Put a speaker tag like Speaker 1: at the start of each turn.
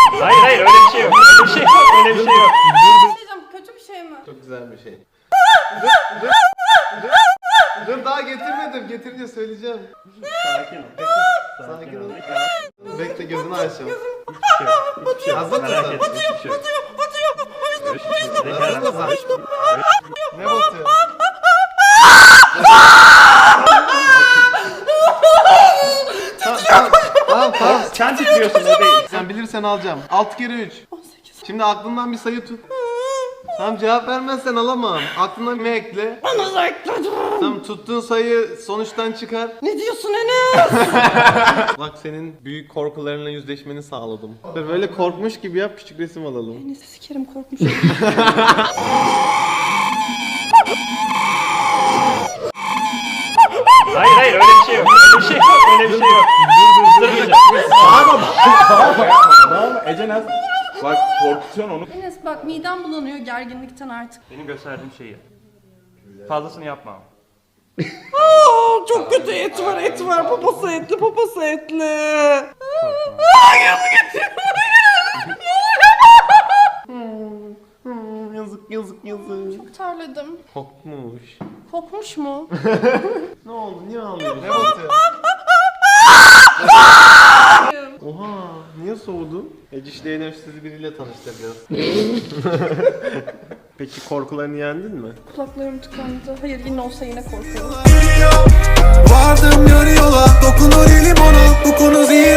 Speaker 1: Hayır öyle bir şey yok. Öyle bir şey yok. Öyle bir şey yok.
Speaker 2: Diyeceğim, kötü bir şey mi?
Speaker 3: Çok güzel bir şey. Dur daha getirmedim. Getirince söyleyeceğim.
Speaker 1: Sakin ol.
Speaker 3: Sakin ol. Bekle gözünü açacağım.
Speaker 1: Hiçbir şey yok.
Speaker 3: Hazır
Speaker 1: Merak
Speaker 3: mısın?
Speaker 1: etme. Hiçbir şey yok.
Speaker 3: Hazır mısın? Ne batıyor? Tamam.
Speaker 1: Sen titriyorsun o değil.
Speaker 3: Sen bilirsen alacağım. 6 kere 3.
Speaker 2: 18.
Speaker 3: Şimdi aklından bir sayı tut. Tamam cevap vermezsen alamam. Aklına bir ekle.
Speaker 2: Bana da ekledim.
Speaker 3: Tamam tuttuğun sayı sonuçtan çıkar.
Speaker 2: Ne diyorsun Enes?
Speaker 3: Bak senin büyük korkularınla yüzleşmeni sağladım. Böyle korkmuş gibi yap, küçük resim alalım.
Speaker 2: Enes sikerim, korkmuşum.
Speaker 1: Hayır öyle bir şey yok. Öyle bir şey yok. Öyle bir şey yok.
Speaker 4: Tamam Ece Naz. Bak korkutuyorsun onu.
Speaker 2: Enes bak, midem bulanıyor gerginlikten artık.
Speaker 1: Benim gösterdiğim şeyi. Fazlasını yapma.
Speaker 2: Çok kötü et var. Papası etli.
Speaker 3: Yazık.
Speaker 2: Çok terledim.
Speaker 3: Kokmuş.
Speaker 2: Kokmuş mu?
Speaker 3: Ne oldu? Niye ağlıyorsun? Ne batıyor? Oha, niye soğudun? Eciş'le Enes sizi biriyle tanıştıracağız. Peki korkularını yendin mi?
Speaker 2: Kulaklarım tıkandı. Hayır, yine olsa yine korkuyorum.
Speaker 5: Vardım yarı yola, dokunur elim ona, bu konu zehir.